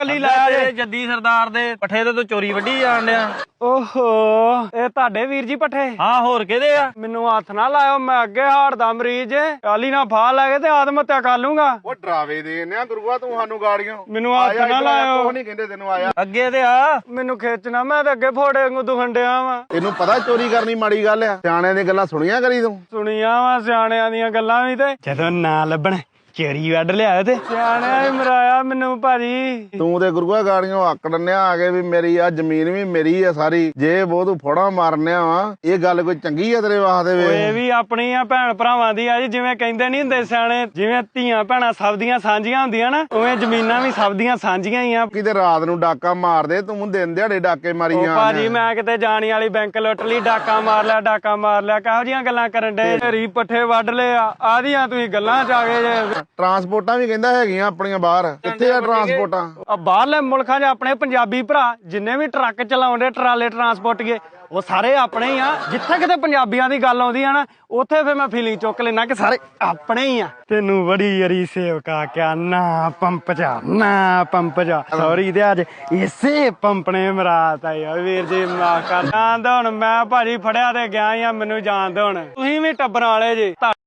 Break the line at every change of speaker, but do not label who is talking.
ਕੱਲੀ ਲਾਇਆ ਜੇ
ਜੱਦੀ ਸਰਦਾਰ ਦੇ ਪੱਠੇ ਤੇ ਤੂੰ ਚੋਰੀ ਵੱਢੀ ਜਾਣ ਡਿਆ।
ਓਹੋ ਇਹ ਤੁਹਾਡੇ ਵੀਰ ਜੀ ਪੱਠੇ?
ਹਾਂ ਹੋਰ ਕਿਹਦੇ ਆ?
ਮੈਨੂੰ ਹੱਥ ਨਾ ਲਾਇਓ, ਮੈਂ ਅੱਗੇ ਹਾਰਟ ਦਾ ਮਰੀਜ਼ ਕਾਲੀ ਨਾ ਫਾਹ ਲੈ ਕੇ ਤੇ ਆਤਮ ਹੱਤਿਆ ਕਰ ਲੂੰਗਾ।
ਉਹ ਡਰਾਵੇ ਦੇ ਨੇ ਗੁਰੂਆ ਤੂੰ ਸਾਨੂੰ ਗਾੜੀਆਂ।
ਮੈਨੂੰ ਹੱਥ ਨਾ ਲਾਇਓ।
ਕੁਛ ਨਹੀਂ ਕਹਿੰਦੇ ਤੈਨੂੰ, ਆਇਆ
ਅੱਗੇ ਤੇ ਆ।
ਮੈਨੂੰ ਖਿੱਚਣਾ, ਮੈਂ ਤੇ ਅੱਗੇ ਫੋੜੇ ਵਾਂਗੂ ਦੁਖਣ ਡਿਆ ਵਾਂ।
ਤੈਨੂੰ ਪਤਾ ਚੋਰੀ ਕਰਨੀ ਮਾੜੀ ਗੱਲ ਆ? ਸਿਆਣਿਆਂ ਦੀਆਂ ਗੱਲਾਂ ਸੁਣੀਆਂ ਕਰੀ ਤੂੰ?
ਸੁਣੀਆਂ ਵਾ ਸਿਆਣਿਆਂ ਦੀਆਂ ਗੱਲਾਂ ਵੀ, ਤੇ ਜਦੋਂ ਨਾ ਲੱਭਣ ਚੇਰੀ ਵੱਢ ਲਿਆਓ ਤੇ ਸਿਆਣਿਆਂ ਵੀ ਮਰਾਇਆ ਮੈਨੂੰ ਭਾਜੀ।
ਤੂੰ ਤੇ ਗੁਰੂਆ ਗਾੜੀਆਂ ਹੱਕ ਡੰਨਿਆ ਆ ਕੇ ਵੀ ਮੇਰੀ ਆ ਜ਼ਮੀਨ ਵੀ ਮੇਰੀ ਆ ਸਾਰੀ, ਜੇ ਉਹ ਤੂੰ ਫੋੜਾ ਮਾਰਨਿਆ ਵਾ, ਇਹ ਗੱਲ ਕੋਈ ਚੰਗੀ ਆ ਤੇਰੇ ਵਾਸਤੇ? ਵੇ
ਇਹ ਵੀ ਆਪਣੀ ਆ ਭੈਣ ਭਰਾਵਾਂ ਦੀ ਆ ਜੀ, ਜਿਵੇਂ ਕਹਿੰਦੇ ਨਹੀਂ ਹੁੰਦੇ ਸਿਆਣੇ, ਜਿਵੇਂ ਧੀਆਂ ਭੈਣਾਂ ਸਭ ਦੀਆਂ ਸਾਂਝੀਆਂ ਹੁੰਦੀਆਂ ਨਾ, ਉਵੇਂ ਜ਼ਮੀਨਾਂ ਵੀ ਸਭ ਦੀਆਂ ਸਾਂਝੀਆਂ ਹੀ ਆ।
ਕਿਤੇ ਰਾਤ ਨੂੰ ਡਾਕਾ ਮਾਰਦੇ, ਤੂੰ ਦਿਨ ਦਿਹਾੜੇ ਡਾਕੇ ਮਾਰੀ
ਉਹ
ਜਾਂ
ਭਾਜੀ ਮੈਂ ਕਿਤੇ ਜਾਣੀ ਵਾਲੀ ਬੈਂਕ ਲੁੱਟ ਲਈ, ਡਾਕਾ ਮਾਰ ਲਿਆ, ਡਾਕਾ ਮਾਰ ਲਿਆ, ਕਿਹੋ ਜੀਆਂ ਗੱਲਾਂ ਕਰਨ ਡੇ? ਢੇਰੀ ਪੱਠੇ ਵੱਢ ਲਏ ਆ, ਆਦੀਆਂ ਤੁਸੀਂ ਗੱਲਾਂ ਚ ਆ ਗਏ ਜੇ।
ਟਰਾਂਸਪੋਰਟਾਂ ਵੀ ਕਹਿੰਦਾ ਹੈਗੀਆਂ ਆਪਣੀਆਂ ਬਾਹਰ, ਕਿੱਥੇ ਆ ਟਰਾਂਸਪੋਰਟਾਂ?
ਬਾਹਰਲੇ ਮੁਲਕਾਂ 'ਚ ਆਪਣੇ ਪੰਜਾਬੀ ਭਰਾ ਜਿੰਨੇ ਵੀ ਟਰੱਕ ਚਲਾਉਂਦੇ, ਟਰਾਲੇ ਟਰਾਂਸਪੋਰਟੀਏ, ਉਹ ਸਾਰੇ ਆਪਣੇ ਹੀ ਆ। ਜਿੱਥੇ ਕਿਤੇ ਪੰਜਾਬੀਆਂ ਦੀ ਗੱਲ ਆਉਂਦੀ ਆ ਨਾ, ਉੱਥੇ ਫਿਰ ਮੈਂ ਫੀਲਿੰਗ ਚੁੱਕ ਲੈਣਾ ਕਿ ਸਾਰੇ ਆਪਣੇ ਹੀ ਆ। ਤੈਨੂੰ ਬੜੀ ਯਰੀ ਸੇਵਕਾ ਕਿਆ ਨਾ ਪੰਪ ਜਾ ਸੌਰੀ ਤੇ ਅੱਜ ਇਸੇ ਪੰਪ ਨੇ ਮਰਾਤਾ ਯਾਰ। ਵੀਰ ਜੀ ਮਾਫ ਕਰ, ਜਾਣਦੇ ਹੁਣ ਮੈਂ ਭਾਜੀ ਫੜਿਆ ਤੇ ਗਿਆ ਆ, ਮੈਨੂੰ ਜਾਣਦੇ ਹੁਣ। ਤੁਸੀਂ ਵੀ ਟੱਬਰਾਂ ਵਾਲੇ ਜੇ।